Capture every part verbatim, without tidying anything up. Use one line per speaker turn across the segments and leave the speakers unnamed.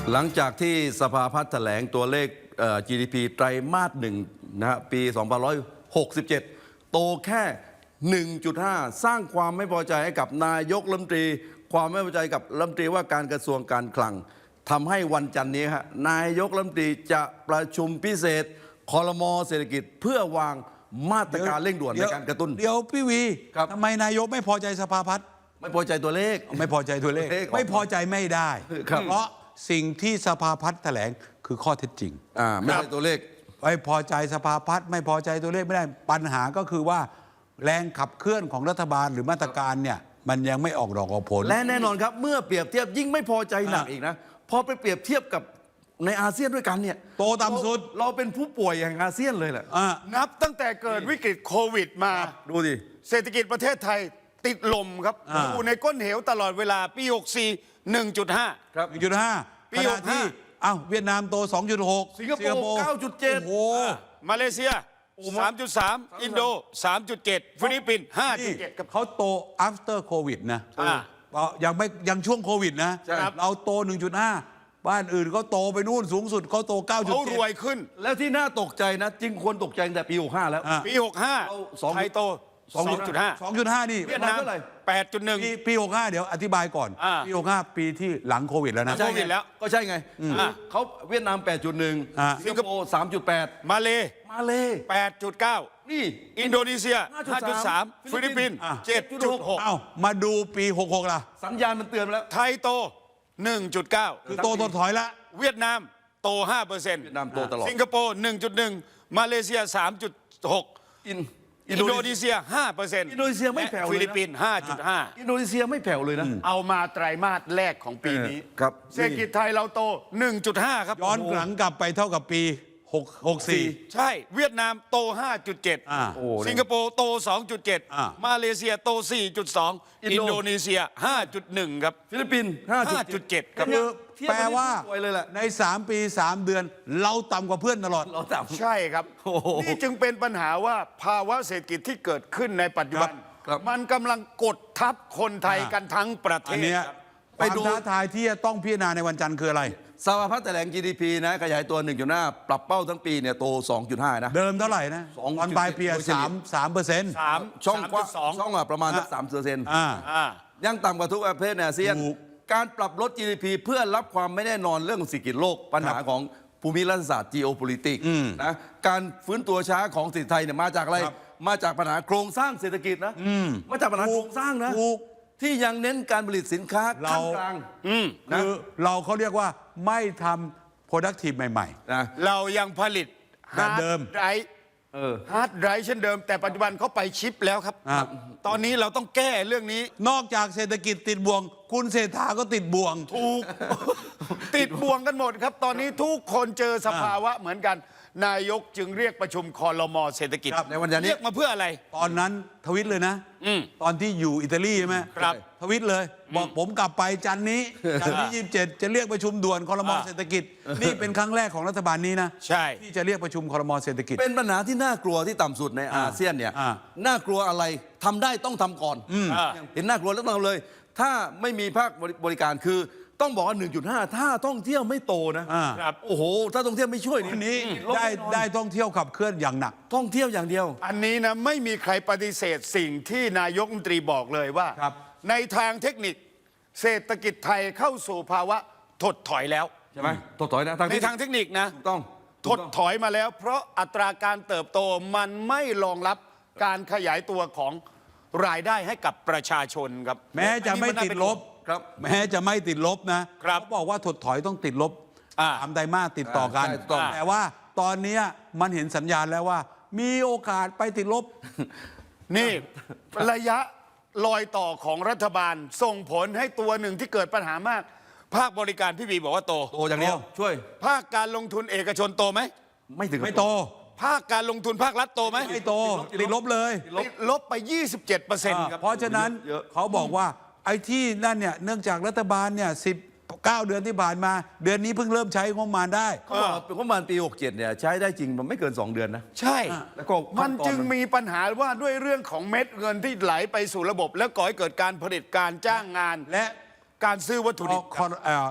หลังจากที่สภาพัฒน์แถลงตัวเลข จี ดี พี ไตรมาสหนึ่งนะฮะปี สองพันห้าร้อยหกสิบเจ็ด โตแค่ หนึ่งจุดห้า สร้างความไม่พอใจให้กับนายกรัฐมนตรีความไม่พอใจกับรัฐมนตรีว่าการกระทรวงการคลังทำให้วันจันทร์นี้ฮะนายกรัฐมนตรีจะประชุมพิเศษครม.เศรษฐกิจเพื่อวางมาตรการเร่งด่วนในการกระตุ้น
เดี๋ยวพี่วี
ครับ
ทำไมนายกไม่พอใจสภาพัฒน์
ไม่พอใจตัวเลข
ไม่พอใจตัวเลข
ตัวเลข
ไม่พอใจไม่ได้
ครับ
เพราะสิ่งที่สภาพัฒน์แถลงคือข้อเท็จจริง
อ่าไม่ใช่ตัวเลข
ไม่พอใจสภาพัฒน์ไม่พอใจตัวเลขไม่ได้ปัญหาก็คือว่าแรงขับเคลื่อนของรัฐบาลหรือมาตรการเนี่ยมันยังไม่ออกดอกออกผล
และแน่นอนครับเมื่อเปรียบเทียบยิ่งไม่พอใจหนัก
อ่ะ
อีกนะพอไปเปรียบเทียบกับในอาเซียนด้วยกันเนี่ย
โตต่ำสุด
เราเราเป็นผู้ป่วยแห่งอาเซียนเลยแหละ
อ่า
นับตั้งแต่เกิดวิกฤตโควิดมา
ดูดิ
เศรษฐกิจประเทศไทยติดลมครับ
อ่า
อยู่ในก้นเหวตลอดเวลาปี หกสี่ หนึ่งจุดห้า
ครับ
หนึ่งจุดห้า
ปี
ขณะ
หกห้า
ที่อ้าวเวียดนามโต สองจุดหก
สิงคโปร์เก้าจุดเจ็ด
โอ้โห
มาเลเซีย สามจุดสาม อินโด สามจุดเจ็ด ฟิลิปปินส์ ห้าจุ
นี่
ดเจ็ด ครับ
เขาโต after covid นะ
อ่า
ยังไม่ยังช่วงโควิดนะ
ใช่ครับ
เราโต หนึ่งจุดห้า บ้านอื่นเขาโตไปนู่นสูงสุดเขาโต เก้าจุด
เขา
เจ็ด
รวยขึ้น
แล้วที่น่าตกใจนะจริงควรตกใจตั้งแต่ปีหกห้าแล้ว
อ่ะ
ปี หกห้า
เราสอง
ไทยโต
สอง
สองจุดห้า
สองจุดห้า นี่
เวียดนาม
เท่าไหร่
แปดจุดหนึ่ง
ปีปีหกห้าเดี๋ยวอธิบายก่อน
อ่า
ปีหกห้าปีที่หลังโควิดแล้วนะ
ใช่ โควิดแล้ว
ก็ใช่ไง
อ่ะ
เขาเวียดนาม แปดจุดหนึ่ง
อ่ะ
สิงคโปร์ สามจุดแปด
มาเล
มาเล
แปดจุดเก้า
นี่
อินโดนีเซีย
ห้า
ห้า
จุ
จุ
ด
ด
สา
สาม ม ฟิลิปปินส์
อ่ะ
เจ็ดจุดหก
เอ้ามาดูปีหกหกล่ะ
สัญญาณมันเตือนมาแล้ว
ไทยโต หนึ่งจุดเก้า
คือโตถดถอยละ
เวียดนามโต ห้าเปอร์เซ็นต์
เวียดนามโตตลอด
สิงคโปร์ หนึ่งจุดหนึ่ง มาเลเซีย สามจุดหก
อิน
อินโดนีเซีย ห้าเปอร์เซ็นต์
อินโดนีเซียไม่แผ่วเลยนะ
ฟิลิปปินส์ ห้าจุดห้า
อินโดนีเซียไม่แผ่วเลยนะ
เอามาไตรมาสแรกของปีนี้
เออครับ
เศรษฐกิจไทยเราโต หนึ่งจุดห้า ครับ
ย้อนหลังกลับไปเท่ากับปีหก หกสี่
ใช่ เวียดนามโต ห้าจุดเจ็ด
อ่า
โอ้
สิงคโปร์โต สองจุดเจ็ด
อ่า
มาเลเซียโต สี่จุดสอง
อิน
อิ
โด
นโดนีเซีย ห้าจุดหนึ่ง ครับ
ฟิลิปปินส์ ห้าจุดเจ็ด
ห้าจุดเจ็ด ครับ
คือแปลว่า
สวยเลยแหละ
ในสามปีสามเดือน เราต่ำกว่าเพื่อนตลอด
เราต่ำ
ใช่ครับ
โอ้โห
นี่จึงเป็นปัญหาว่าภาวะเศรษฐกิจที่เกิดขึ้นในปัจจุบัน
ครับ
มันกำลังกดทับคนไทย
อ่า
กันทั้งประเท
อัน
ศ
เนี้ย
ครับ
ค
ไป
วาม
ดู
ท้าทายที่จะต้องพิจารณาในวันจันทร์คืออะไร
สภาพัฒน์แถลง จี ดี พี นะขยายตัว หนึ่งจุดห้า ปรับเป้าทั้งปีเนี่ยโต สองจุดห้า นะ
เดิมเท่าไหร่นะ
สอง
ตอนปลายปี
โดยเฉลี่
สาย มสามเปอร์เซ็นต์
สาม
ช่องกว้าง
สอง
ช่องอะประมาณสักสามเปอร์เซ็นต์
อ่า
อ่า
ยังต่ำกว่าทุกประเทศในอาเซียน
ถูก
การปรับลด จี ดี พี เพื่อรับความไม่แน่นอนเรื่องเศรษฐกิจโลกปัญหาของภูมิรัฐศาสตร์ geopolitics นะการฟื้นตัวช้าของเศรษฐกิจไทยเนี่ยมาจากอะไร
ครับ
มาจากปัญหาโครงสร้างเศรษฐกิจนะมาจากปัญหาโครงสร้างนะ
ถูก
ที่ยังเน้นการผลิตสินค้า
เรา
ขั้นกลาง
อืม
นะ
คือเราเขาเรียกว่าไม่ทำ productive ใหม่
นะ
เรายังผลิต
แบบเดิม
ไร
เออ
ฮาร์ดไรเช่นเดิม แต่ปัจจุบันเขาไปชิปแล้วครับ
อ่า
ตอนนี้เราต้องแก้เรื่องนี้
ๆ นอกจากเศรษฐกิจติดบ่วง คุณเศรษฐาก็ติดบ่วง
ถูก ติดบ่วงกันหมดครับ ตอนนี้ทุกคนเจอสภาวะเหมือนกัน นายกจึงเรียกประชุมคอรมอเศรษฐกิจ
ครับในวันนี้
เรียกมาเพื่ออะไร
ตอนนั้นทวิตเลยนะ
อืม
ตอนที่อยู่อิตาลีใช่ไหม
ครับ
ทวิตเลย บอกผมกลับไปจันทร์นี้ จันทร์ที่ยี่สิบเจ็ดจะเรียกประชุมด่วนคอรมอ
อ่า
เศรษฐกิจ นี่เป็นครั้งแรกของรัฐบาลนี้นะ
ใช่
ที่จะเรียกประชุมคอรมอเศรษฐกิจ
เป็นปัญหาที่น่ากลัวที่ต่ำสุดในอาเซียนเนี่ย
อ่า
น่ากลัวอะไรทำได้ต้องทำก่อน
อ่า
เห็นน่ากลัวแล้วต้องทำเลย ถ้าไม่มีภาคบริการคือต้องบอกว่า หนึ่งจุดห้า ถ้าท่องเที่ยวไม่โตนะ
อ่า
ครับ
โอ้โห ถ้าท่องเที่ยวไม่ช่วย
วันนี้
ลบ
ได้
แน่นอน
ได้ท่องเที่ยวขับเคลื่อนอย่างหนัก
ท่องเที่ยวอย่างเดียว
อันนี้นะไม่มีใครปฏิเสธสิ่งที่นายกรัฐมนตรีบอกเลยว่า
ครับ
ในทางเทคนิคเศรษฐกิจไทยเข้าสู่ภาวะถดถอยแล้ว
ใช่ไหมถดถอยนะทาง
ใน
ที่
ทางเทคนิคนะ
ถูกต้อง
ถดถอยมาแล้ว เพราะอัตราการเติบโตมันไม่รองรับการขยายตัวของรายได้ให้กับประชาชนครับ
แม้จะไม่ติดลบ
ครับ
แม้จะไม่ติดลบนะครับ เขาบอกว่าถดถอยต้องติดลบ
อ่า
สามไตรมาสติดต่อกัน
ใช่ถูกต้อง
แต่ว่าตอนเนี้ยมันเห็นสัญญาณแล้วว่า มีโอกาสไปติดลบ
นี่ระยะรอยต่อของรัฐบาลส่งผลให้ตัวหนึ่งที่เกิดปัญหามาก ภาคบริการพี่บีบอกว่าโต
โตอย่างเดียว ช่วย
ภาคการลงทุนเอกชนโตไหม
ไม่ถึงกับ
ไม่โต
ภาคการลงทุนภาครัฐโตไหม
ไม่โตติดลบเลย
ติดลบไป ยี่สิบเจ็ดเปอร์เซ็นต์ ครับ
เพราะฉะนั้น
เยอะ
เขาบอกว่าไอ้ที่นั่นเนี่ยเนื่องจากรัฐบาลเนี่ยสิบเก้าเดือนที่ผ่านมา เดือนนี้เพิ่งเริ่มใช้งบประมาณได้
เขาบอกเป็นงบประมาณปี หกเจ็ด เนี่ยใช้ได้จริงมันไม่เกิน สอง เดือนนะ
ใช่
แล้วก็
มัน
ขั้ตอ
จึงมีปัญหาว่าด้วยเรื่องของเม็ดเงินที่ไหลไปสู่ระบบ แล้วก่อให้เกิดการผลิตการจ้างงาน
และ
การซื้อวัตถุดิบ
คอเอ่อ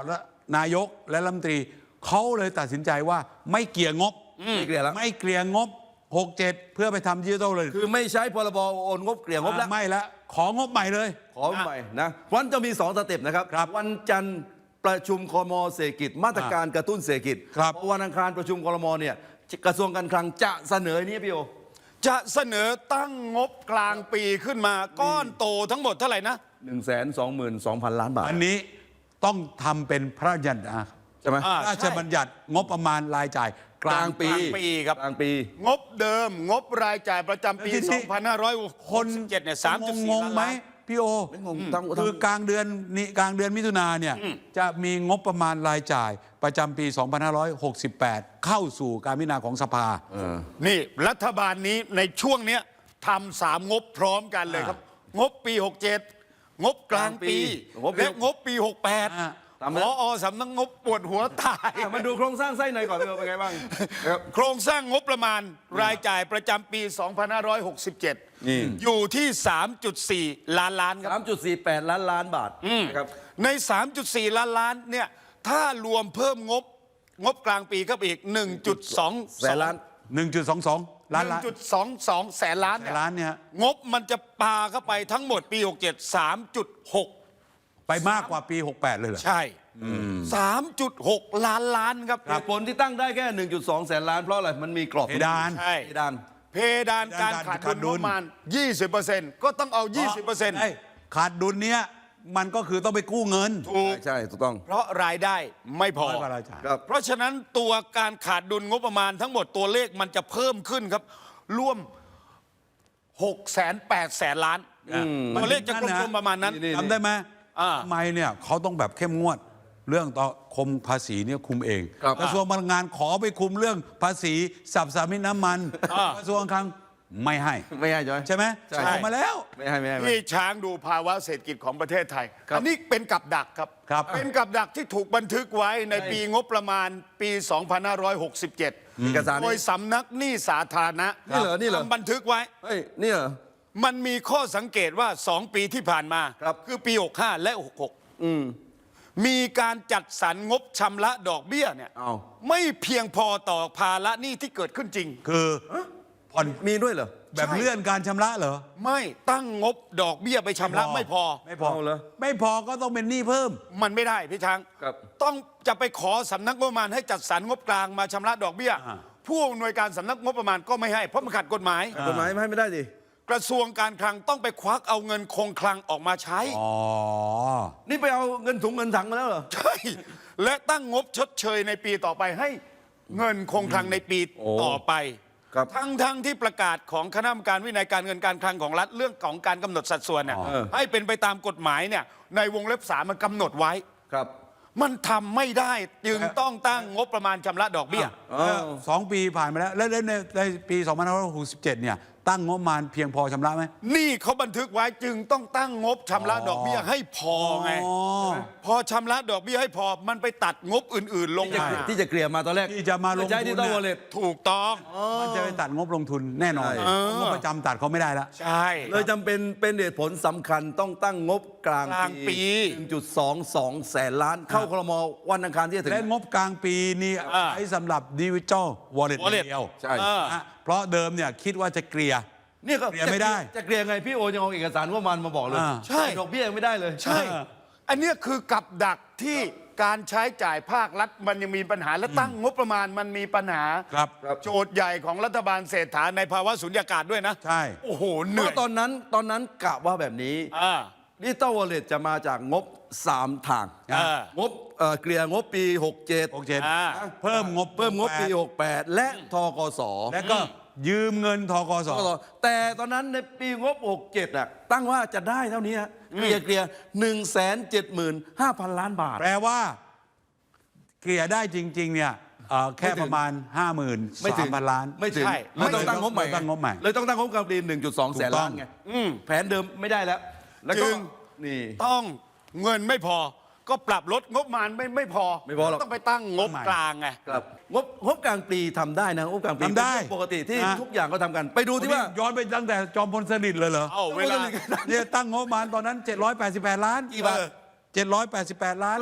นายกและรัฐมนตรีเขาเลยตัดสินใจว่าไม่เกลี่ยงบ
ไม่เกลี่ยแล้ว
ไม่เกลี่ยงบหกเจ็ดเพื่อไปทำดิจิทัลเลย
คือไม่ใช้พรบโอนงบเกลี่ยงบแล้ว
ไม่ละของบใหม่เลย
ขอใหม่นะวันจะมีสองสเต็ปนะครับ
ครับ
วันจันทร์ประชุมคมเศรษฐกิจมาตรการกระตุ้นเศรษฐกิจ
ครับ
พอวันอังคารประชุมครมเนี่ยกระทรวงการคลังจะเสนอนี้พี่โอ
จะเสนอตั้งงบกลางปีขึ้นมาก้อนโตทั้งหมดเท่าไหร่นะ
หนึ่งแสนสองหมื่นสองพันล้านบาท
อันนี้ต้องทำเป็นพระราชบัญญัตินะ
ใช่ไหม
อ่า
พระราชบัญญัติงบประมาณรายจ่ายก
ก
ลา
ลาง งปี
กลางปีครับ
กลางปี
งบเดิมงบรายจ่ายประจำปี
แล้วที่
สองพันห้าร้อยห
ค
ก
น
สิบเจ็ดเนี่ยสามจุดสี่
งง
ล้าน
ไหม
ล้าน
พี่โอ
ไม่งงทั้ง
คือกลางเดือนนี้กลางเดือนมิถุนาเนี่ยจะมีงบประมาณรายจ่ายประจำปี สองพันห้าร้อยหกสิบแปด เข้าสู่การพิจารณาของสภา
นี่รัฐบาลนี้ในช่วงเนี้ยทำสามงบพร้อมกันเลยครับ งบปีหกเจ็ดงบกลางปี
งบปี
และงบปีหกแปด
อ่า
ตาม
พ
นั้น
อสำนักงบปวดหัวตาย
อ่ะมาดูโครงสร้างไส้ในก่อนพี่โอเป็นไงบ้างครับ
โครงสร้างงบประมาณรายจ่ายประจำปี สองพันห้าร้อยหกสิบเจ็ด
นี่
อยู่ที่ สามจุดสี่ ล้านล้านครับ
สามจุดสี่แปดล้านล้านบาทนะครับ
ใน สามจุดสี่ ล้านล้านเนี่ยถ้ารวมเพิ่มงบงบกลางปีเข้าไปอีก หนึ่งจุดสอง
แสนล้าน
หนึ่งจุดสองสอง ล้านล้าน
หนึ่งจุดสองสองแสนล้าน
แส
เนี่
น
ย
ล้านเนี่ยฮะ
งบมันจะปาเข้าไปทั้งหมดปี หกเจ็ด สามจุดหก
ไปมากกว่าปี หกแปด เลยเหรอ
ใช่ สามจุดหก ล้านล้านครับ
เหตุผลที่ตั้งได้แค่ หนึ่งจุดสอง แสนล้านเพราะอะไร มันมีกรอบ
เพดาน
ใช่
เพดาน
เพดานการขาดดุลงบประมาณ ยี่สิบเปอร์เซ็นต์ ก็ต้องเอา ยี่สิบเปอร์เซ็นต์
ไอ้ขาดดุลเนี้ยมันก็คือต้องไปกู้เงิน
ถูก
ใช่ถูกต้อง
เพราะรายได้ไม่พอ
น้อยกว่ารายจ่าย
ครับ
เพราะฉะนั้นตัวการขาดดุลงบประมาณทั้งหมดตัวเลขมันจะเพิ่มขึ้นครับร่วม6แสน8แสนล้าน ตัวเลขจะกลมๆประมาณนั้น
นี่
จำได้ไหม
อ่า
ทำไมเนี่ยเขาต้องแบบเข้มงวด เรื่องต่อคมภาษีเนี่ยคุมเอง
ครับ
กระทรวงพลังงานขอไปคุมเรื่องภาษีสับสามิตน้ำมัน
อ่าก
ระทรวงคลังไม่ให้
ไม่ให้ใช่ไหม
ใช่ไหม
ใช่
ออกมาแล้ว
ไม่ให้ไม่ให้ไม่ให้
ที่ช้างดูภาวะเศรษฐกิจของประเทศไทย
ครับ
อันนี้เป็นกับดักครับ
ครับ
เป็นกับดักที่ถูกบันทึกไว้ในปีงบประมาณปี สองพันห้าร้อยหกสิบเจ็ด
เอกสาร
โดย
นี่
สำนักหนี้สาธารณะ
นี่เหรอนี่เหรอ
ทำบันทึกไว้
เฮ้ยนี่เหรอ
มันมีข้อสังเกตว่าสองปีที่ผ่านมา
ครับ
คือปี หกห้า และ หกหก
อืม
มีการจัดสรรงบชำระดอกเบี้ยเนี่ย
อ้าว
ไม่เพียงพอต่อภาระหนี้ที่เกิดขึ้นจริง
คือผ่อน
มีด้วยเหรอ
แบบ
ใช่
เลื่อนการชำระเหรอ
ไม่ตั้งงบดอกเบี้ยไปชำระไม่พอ
ไม่พอ
เอาเหรอ
ไม่พอก็ต้องเป็นหนี้เพิ่ม
มันไม่ได้พี่ช้าง
ครับ
ต้องจะไปขอสำนักงบประมาณให้จัดสรรงบกลางมาชำระดอกเบี้ย
อ่า
ผู้อำนวยการสำนักงบประมาณก็ไม่ให้เพราะมันขัดกฎหมาย
กฎหมายไม่ให้ไม่ได้ดิ
กระทรวงการคลังต้องไปควักเอาเงินคงคลังออกมาใช้
อ๋อ
นี่ไปเอาเงินถุงเงินถังมาแล้วเหรอ
ใช่ และตั้งงบชดเชยในปีต่อไปให้เงินคงคลังในปี
โอ้
ต่อไป
ครับ
ทั้งทั้งที่ประกาศของคณะกรรมการวินัยการเงินการคลังของรัฐเรื่องของการกำหนดสัดส่วนเนี่ย
อ๋อเออ
ให้เป็นไปตามกฎหมายเนี่ยในวงเล็บสามมันกำหนดไว้
ครับ
มันทำไม่ได้จึงต้องตั้งงบประมาณชำระดอกเบี้ย
อ้าว
สองปีผ่านมาแล้ว แล้วในในปี สองพันห้าร้อยหกสิบเจ็ด เนี่ย ตั้งงบประมาณเพียงพอชำระไหม
นี่เขาบันทึกไว้จึงต้องตั้งงบชำระดอกเบี้ยให้พอไง
อ๋อ
พอชำระดอกเบี้ยให้พอมันไปตัดงบอื่น ๆ ลง
ที่จะ
มา
ที่จะเกลี่ยมาตอนแรก
ที่จะมาลงทุน
ใช้ที่ต้องวอลเล็ต
ถูกต้อง
มันจะไปตัดงบลงทุนแน่นอน
ใช่
งบประจำตัดเขาไม่ได้แล้ว
ใช่
เลยจำเป็นเป็นเหตุผลสำคัญต้องตั้งงบกลาง
กลางปี
หนึ่งจุดสองสองแสนล้าน เข้าครมวันอังคารที่จะถึง
และงบกลางปีนี่
อ่า
ใช้สำหรับดิจิทัลวอลเล็ต
Wallet
เดียว
ใช่
เออ
นะเพราะเดิมเนี่ยคิดว่าจะเกลี่ย
เนี่ยก็
เกลี่ยไม่ได้
จะเกลี่ยไงพี่โอยังเอาเอกสารงบประมาณมาบอกเลย
อ่า
ใช่
ดอกเบี้ยยังไม่ได้เลย
ใช่ อันเนี้ยคือกับดักที่การใช้จ่ายภาครัฐมันยังมีปัญหาและตั้งงบประมาณมันมีปัญหา
ครับ
โจทย์ใหญ่ของรัฐบาลเศรษฐาในภาวะสุญญากาศด้วยนะ
ใช่
โอ้โหเห
เพ
นื่อย
ราะตอนนั้นตอนนั้นกะว่าแบบนี้
อ่า
ดิจิตอลวอลเล็ตจะมาจากงบสามทาง
อ่าง
บเอ่อเกลี่ยงบปีหกเจ็ด
หกเจ็ด
อ่า
เพิ่มงบ
เพิ่มงบปีหกแปดและทกส
และก็ยืมเงินทกส
ทกสแต่ตอนนั้นในปีงบหกเจ็ดอ่ะตั้งว่าจะได้เท่านี้ฮะเกลี่ยเกลี่ยหนึ่งแสนเจ็ดหมื่นห้าพันล้านบาท
แปลว่า เกลี่ยได้จริง ๆ เนี่ยเอ่อแค่
ไม่ถึง
ประมาณ ห้าหมื่น
ไม่ถึ
สาง มพันล้าน
ไม่ถึง
ใช่
เลยต้องตั้งงบใหม่
ตั้งงบใหม่
เลยต้องตั้งงบกลางปีหนึ่งจุดสองแสนล้านไงแผนเดิมไม่ได้แล้ว แล้วก็
จึง
นี่
ต้องเงินไม่พอ ก็ปรับลดงบประมาณไม่ไม่พอ
ไม่พอหรอก
ต้องไปตั้งงบกลางไง
ครับงบงบกลางปีทำได้นะงบกลางปี
ทำได้
เป็นเรื่องปกติที่
นะ
ทุกอย่างก็ทำกัน ไปดูที่ว่า
ย้อนไปตั้งแต่จอมพลสฤษดิ์เลยเหรอ
เอาเวลา
เนี่ยตั้งงบประมาณตอนนั้น เจ็ดร้อยแปดสิบแปด ล้าน
กี่บาท
เจ็ดร้อยแปดสิบแปด ล้านบาท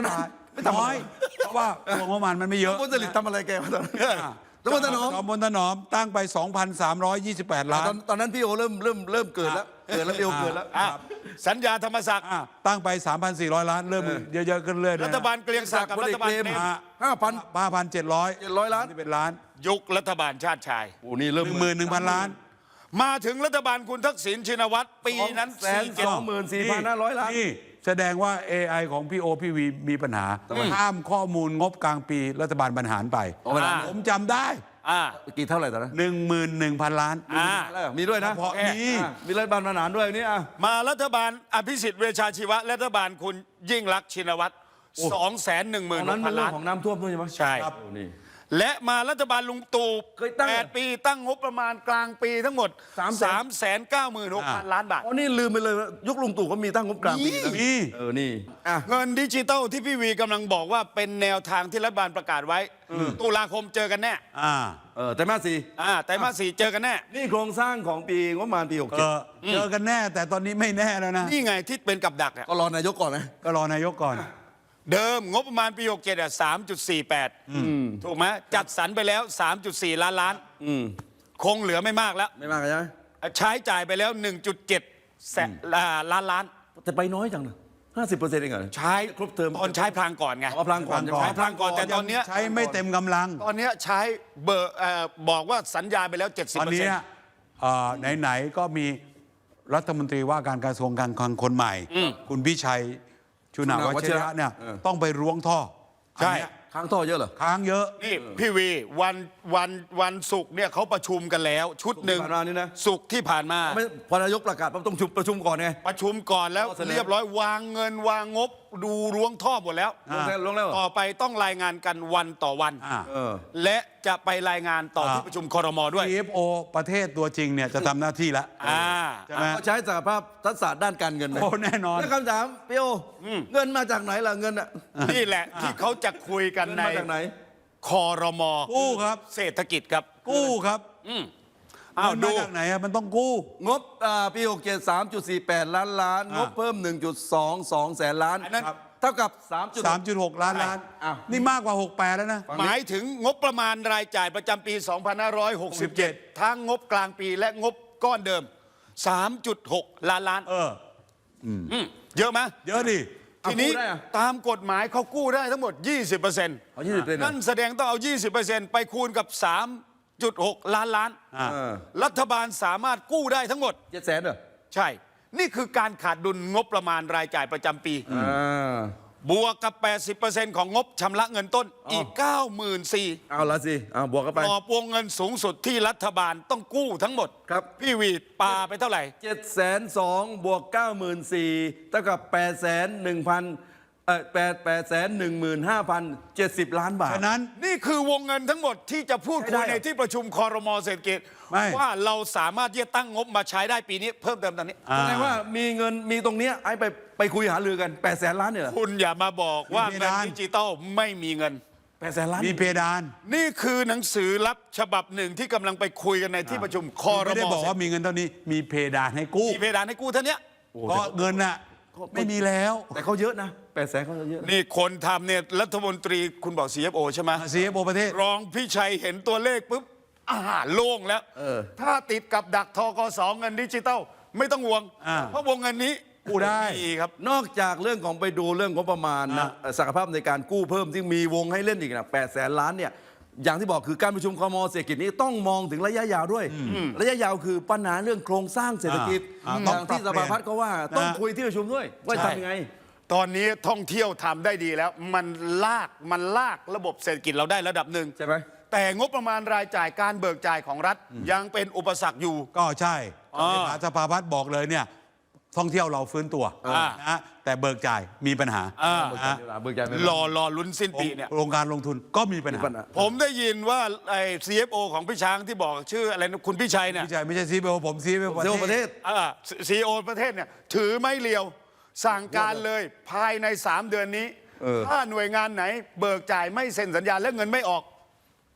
น้อยเพราะว่าตัวงบประมาณมันไม่เยอะ
พลผลิตทำอะไรแกมาตอนนั้นแล้วมันถนอม
จอมพลถนอมตั้งไป สองพันสามร้อยยี่สิบแปด ล้า
ตอน
น
ตอนนั้นพี่โอเริ่มเริ่มเริ่มเกิดแล้วเกิดแล้วพี่โอเกิดแล้ว
อ่ะสัญญาธรรมศักดิ์
อ่ะตั้งไป สามพันสี่ร้อย ล้าน เริ่มเยอะๆขึ้นเรื่อยๆ
รัฐบาลเกรียงศักดิ์กับรัฐบาลเนม
ห้าพัน
ห้าพันเจ็ดร้อย
เจ็ดร้อยล้าน
ที่เป็นล้าน
ยุครัฐบาลชาติชาย
โอ้นี่เริ่ม
หนึ่งหมื่นหนึ่งพันล้าน
มาถึงรัฐบาลคุณทักษิณชินวัตรปีนั้น
แสน
สี่เจ็ด
สองหมื่นสี่พันห้าร้อยล้าน
นี่แสดงว่า เอ ไอ ของพี่โอพี่วีมีปัญหาข้ามข้อมูลงบกลางปีรัฐบาลบรรหารไป
เอาไปไหน
ผมจำได้
อ่า
กี่เท่าไหร่ตอนนั้น
หนึ่งหมื่นหนึ่งพันล้าน
อ่า
แล้วมีด้วยนะ
เพราะมี
อ่ะมีรัฐบาลทหารด้วยนี่อ่ะ
มารัฐบาลอภิสิทธิ์เวชชาชีวะรัฐบาลคุณยิ่งรักษณ์ชินวัตรสองแสนหนึ่งห
ต
มื่
อน นนั้น
พั
มัน นเรื่อ
ล้าง น
ของน้ำท่วมด้วยใช่ไหม
ใช่
ครับโอ้นี่
และมารัฐบาลลุงตู่
เคยตั้ง
แปดปีตั้งงบประมาณกลางปีทั้งหมด
สามแสน
สามแสนเก้าหมื่นหกพันล้านบาท
อ๋อนี่ลืมไปเลยว่ายุคลุงตู่ก็มีตั้งงบกลางปีนะ
มี
เออนี่อ่ะ
เงินดิจิตอลที่พี่วีกำลังบอกว่าเป็นแนวทางที่รัฐบาลประกาศไว้ ตุลาคมเจอกันแน่
อ่า
เออแต่มาสี่
อ่าไตรมาสสี่เจอกันแน่
นี่โครงสร้างของปีงบประมาณปีหก
เอ
เจ็ด
อเจอกันแน่ แต่ตอนนี้ไม่แน่แล้วนะ
นี่ไงที่เป็นกับดักอะ
ก็รอนายกก่อนนะ
ก็รอนายกก่อน
เดิมงบประมาณปีหกเจ็ดอ่ะสามจุดสี่แปดถูกไหมจัดสรรไปแล้ว สามจุดสี่ล้านล้าน
อืม
คงเหลือไม่มากแล้ว
ไม่มากใช่ไหม
ใช้จ่ายไปแล้ว หนึ่งจุดเจ็ดแสนล้านล้าน
แต่ไปน้อยจังนะห้าสิบเปอร์เซ็นต์เองเหรอ
ใช้
ครบเทอม
ตอนใช้พลางก่อนไง
เอาพลังก่อน
พลังก่อน
ใช้พลางก่อนแต่ตอนเนี้ย
ใช้ไม่เต็มกำลัง
ตอนเนี้ยใช้เบอร์เอ่อบอกว่าสัญญาไปแล้ว เจ็ดสิบ
ตอน
เปอร์
นี้
เซ็นต์
เอ่อไหนๆก็มีรัฐมนตรีว่าการกระทรวงการคลังคนใหม่ คุณพิชัยชุนาวัชระเนี่ย
เออ
ต้องไปล้วงท่อ
ใช่
อันเนี้ย
ค้างท่อเยอะเหรอ
ค้างเยอะ
นี่พี่วีวันวันวันศุกร์เนี่ยเขาประชุมกันแล้ว ชุดหนึ่ง
ที่ผ่านมานี่นะ
ศุกร์ที่ผ่านมา
ไม่พอนายกประกาศปั๊บต้องชุมประชุมก่อนไง
ประชุมก่อนแล้ว
ข้อเสนอ
เรียบร้อยวางเงินวางงบดูล้วงท่อหมดแล้ว
ลงแล้วลงแล้วเหรอ
ต่อไปต้องรายงานกันวันต่อวัน
อ่า
เออ
และจะไปรายงานต่อ
อ่า
ที่ประชุมคอรมอด้วย
ซี เอฟ โอ ประเทศตัวจริงเนี่ยจะทำหน้าที่แล้ว
อ่า
ใช่ไหม
ก็ใช้สหภาพทักษะด้านการเงินนะ
โอ้แน่นอน
แล้วคำถามพี่โออเงินมาจากไหนล่ะเงินอ่ะ
นี่แหละที่เขาจะคุยกัน
เงิน
ใน
มาจากไหน
คอรมอ
กู้ครับ
เศรษฐกิจครับ
กู้ครับ
อ้าว
เงิน
ดู
มาจากไหนอะมันต้องกู้
งบอ่าปีหกเจ็ด สามจุดสี่แปด ล้านล้าน
อ่าง
บเพิ่ม หนึ่งจุดสองสอง แสนล้าน
อันนั้น
ครับเท่ากับ สามจุด
สามจุดหก ล้านล้าน
อ้าว
นี่มากกว่าหกแปดแล้วนะ
หมายถึงงบประมาณรายจ่ายประจำปี สองพันห้าร้อยหกสิบเจ็ด ทั้งงบกลางปีและงบก้อนเดิม สามจุดหก ล้านล้าน
เออ
อืมเยอะไหม
เยอะดิ
ทีนี้
กู้ได้อะ
ตามกฎหมายเขากู้ได้ทั้งหมด ยี่สิบเปอร์เซ็นต์
เอายี่สิบเลยนะ
นั่นแสดงต้องเอา ยี่สิบเปอร์เซ็นต์ ไปคูณกับ สามจุดหก ล้านล้าน
อ่า
เออ
รัฐบาลสามารถกู้ได้ทั้งหมด
เจ็ดแสนเหรอ
ใช่ นี่คือการขาดดุลงบประมาณรายจ่ายประจำปี
อ่า
บวกกับ แปดสิบเปอร์เซ็นต์ ของงบชำระเงินต้นอีก เก้าหมื่นสี่พัน
เอาละสิเอาบวกกันไป
กรอบวงเงินสูงสุดที่รัฐบาลต้องกู้ทั้งหมด
ครับ
พี่วีดปาไปเท่าไหร่
เจ็ดแสนสองบวกเก้าหมื่นสี่เท่ากับแปดแสนหนึ่งพันเอ่อแปดแปดแสนหนึ่งหมื่นห้าพันเจ็ดสิบล้านบาท
ฉะนั้น
นี่คือวงเงินทั้งหมดที่จะพูด
ใช้
คุ
ได้
ย
เหรอ
ในที่ประชุมคอรมอเศรษฐกิจ
ไม่
ว่าเราสามารถที่จะตั้งงบมาใช้ได้ปีนี้เพิ่มเติมตอนนี้
อ่า
แสดงว่ามีเงินมีตรงเนี้ยไอ้ไปไปคุยหารือกันแปดแสนล้านเนี่ยเหรอ
คุณอย่ามาบอกว่า
มีเพ
เงิน
ดาน
ดิจิตอลไม่มีเงิน
แปดแสนล้าน
มีเพดาน
นี่คือหนังสือลับฉบับหนึ่งที่กำลังไปคุยกันในที่ประชุมคอร
ไม่ได้
ม
บอกว่ามีเงินเท่านี้ มีเพดานให้กู้
มีเพดานให้กู้เท่านี้
เพราะเงินน่ะไม่มีแล้ว
แต่เขาเยอะนะแปดแสนเขาเยอะ
นี่คนทำเนี่ยรัฐมนตรีคุณบอก ซี เอฟ โอ ใช่ไหม
ซี เอฟ โอ ประเทศ
รองพี่ชัยเห็นตัวเลขปุ๊บอาหารโล่งแล้ว
เออ
ถ้าติดกับดักทกสเงินดิจิตอลไม่ต้องห่วง
อ่า
เพราะวงเงินนี้
กู้ได้
มีครับ
นอกจากเรื่องของไปดูเรื่องงบประมาณนะเอ่อศักยภาพในการกู้เพิ่มที่มีวงให้เล่นอีกนะแปดแสนล้านเนี่ยอย่างที่บอกคือการประชุมคมเศรษฐกิจนี้ต้องมองถึงระยะยาวด้วย ระยะยาวคือปัญหาเรื่องโครงสร้างเศรษฐกิจ
อ่า
อ
ต้อง
ย่างที่
ป
ส
รับเปลี่
ภาย
น
พัฒน์เขาว่าต้อง
นะ
คุยที่ประชุมด้วย ว่า
ใช่
ทำยังไง
ตอนนี้ท่องเที่ยวทำได้ดีแล้ว มันลากมันลากระบบเศรษฐกิจเราได้ระดับหนึ่ง
ใช่ไหม
แต่งบประมาณรายจ่ายการเบิกจ่ายของรัฐยังเป็นอุปสรรคอยู่
ก็ใช่
อ่า
เลขาสภาพัฒน์บอกเลยเนี่ยท่องเที่ยวเราฟื้นตัว
อ่า
นะฮะแต่เบิกจ่ายมีปัญหา
อ่า
นะฮะ
เบิกจ่ายไม่
รอรอลุ้นสิ้นปีเนี่ย
โครงการลงทุนก็มีปัญ
มี
หา
ปัญหา
ผมได้ยินว่าไอ้ ซี เอฟ โอ ของพี่ช้างที่บอกชื่ออะไรนะคุณพี่ชัยเนี่ย
ไม่ใช่ไม่ใช่ซีเบลผมซีเบล
เซลล์ประเทศ
ซีอีโอประเทศเนี่ยถือไม่เลียว สั่งการเลยภายใน สาม เดือนนี้
เออ
ถ้าหน่วยงานไหนเบิกจ่ายไม่เซ็นสัญญาและเงินไม่ออก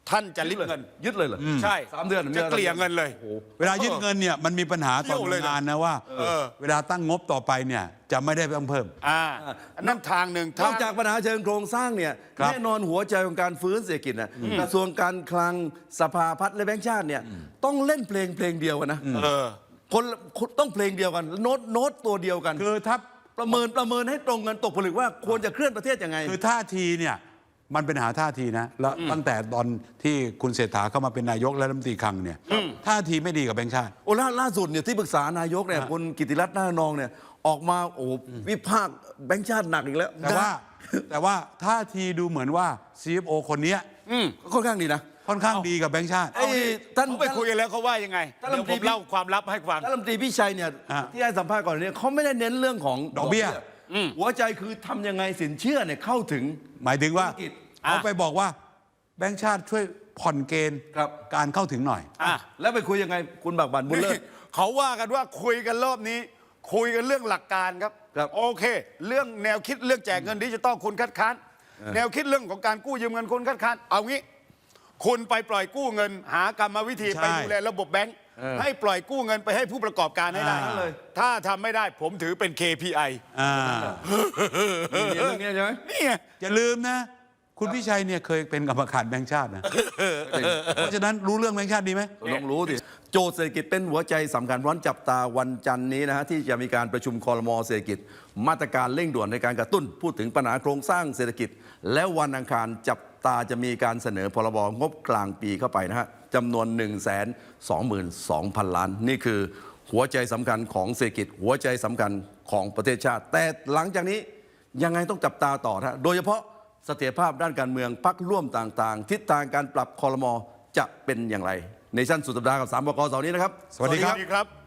ท่านจะริบเงิน
ยึดเลยเหรอ
ใช่
สามเดือน
จะเกลี่ยเงินเลย
เวลายึดเงินเนี่ยมันมีปัญหาต่อหน่วยงานนะว่า
เออ
เวลาตั้งงบต่อไปเนี่ยจะไม่ได้ต้องเพิ่ม
อ่าอันนั่นทางหนึ่ง
น
ทา
อง กจากปัญหาเชิงโครงสร้างเนี่ย
ครับ
แน่นอนหัวใจของการฟื้นเศรษฐกิจนะกระทรวงการคลังสภาพัฒน์และแบงก์ชาติเนี่ยต้องเล่นเพลงเพลงเดียวกันนะ
เออ
คนคนต้องเพลงเดียวกันโน้ตโน้ตตัวเดียวกัน
คือถ้า
ประเมินประเมินให้ตรงกันตกผลึกว่าควรจะเคลื่อนประเทศยังไง
คือท่าทีเนี่ยมันเป็นหาท่าทีนะแล้วตั้งแต่ตอนที่คุณเศรษฐาเข้ามาเป็นนายกและรัฐมนตรีคลังเนี่ยท่าทีไม่ดีกับแบงก์ชาติ
โอ้ล่าล่าสุดเนี่ยที่ปรึกษานายกเนี่ยคุณกิติรัตน์หน้านองเนี่ยออกมาโอ้วิพากษ์แบงก์ชาติหนักอีกแล้ว
แต่ว่าแต่ว่าท่าทีดูเหมือนว่า ซี เอฟ โอ คนเนี้ย
ค่อนข้างดีนะ
ค่อนข้างดีกับแบงก์ชาติ
ไอ้ท่าน
เขาไปคุยกันแล้วเขาว่ายังไง
ท่าน
เดี๋ยว
รัฐมนตรี
ผมเล่าความลับให้ฟัง
ท่านรัฐมนตรีพิชัยเนี่ย
อ่ะ
ที่ให้สัมภาษณ์ก่อนเนี่ยเขาไม่ได้เน้นเรื่องของ
ดอกเบี้ย
หัวใจคือทำยังไงสินเชื่อเนี่ยเข้าถึง
หมายถึงว่า
ธุรกิจ
เขาไปบอกว่าแบงก์ชาติช่วยผ่อนเกณฑ์
ครับ
การเข้าถึงหน่อย
อ่ะ
แล้วไปคุยยังไงคุณบักบันบุญเลิศ
เขาว่ากันว่าคุยกันรอบนี้ คุยกันเรื่องหลักการครับ
ครับ
โอเค เรื่องแนวคิดเรื่องแจกเงินดิจิตอลคุณคัดค้าน แนวคิดเรื่องของการกู้ยืมเงินคุณคัดค้านเอางี้ คุณไปปล่อยกู้เงิน หากรรมวิธี
ใช่
ไปดูแลระบบแบงค์ให้ปล่อยกู้เงินไปให้ผู้ประกอบการให้ได้
อ่า
เลย ถ้าทำไม่ได้ผมถือเป็น เค พี ไอ
อ่า
มีเรื่องนี้ใช่ไหม
นี่ไง
อย่าลืมนะ คุณพิชัยเนี่ยเคยเป็นกรรมการแบงก์ชาตินะเพราะฉะนั้นรู้เรื่องแบงก์ชาติดีไหม
ต้องรู้ดิโจทย์เศรษฐกิจเป็นหัวใจสำคัญร้อนจับตาวันจันทร์นี้นะฮะที่จะมีการประชุมคอรมอเศรษฐกิจ มาตรการเร่งด่วนในการกระตุ้น พูดถึงปัญหาโครงสร้างเศรษฐกิจ แล้ววันอังคารจับตาจะมีการเสนอพรบงบกลางปีเข้าไปนะฮะจำนวน หนึ่งแสนสองหมื่นสองพัน ล้าน นี่คือหัวใจสำคัญของเศรษฐกิจ หัวใจสำคัญของประเทศชาติ แต่หลังจากนี้ยังไงต้องจับตาต่อนะฮะโดยเฉพาะเสถียรภาพด้านการเมืองพรรคร่วมต่างๆ ทิศทางการปรับคอรมอจะเป็นอย่างไรในชั้นสุดสัปดาห์กับสามบกเสาร์นี้นะครับ
สวัสดีครับ
สวัสดีครับ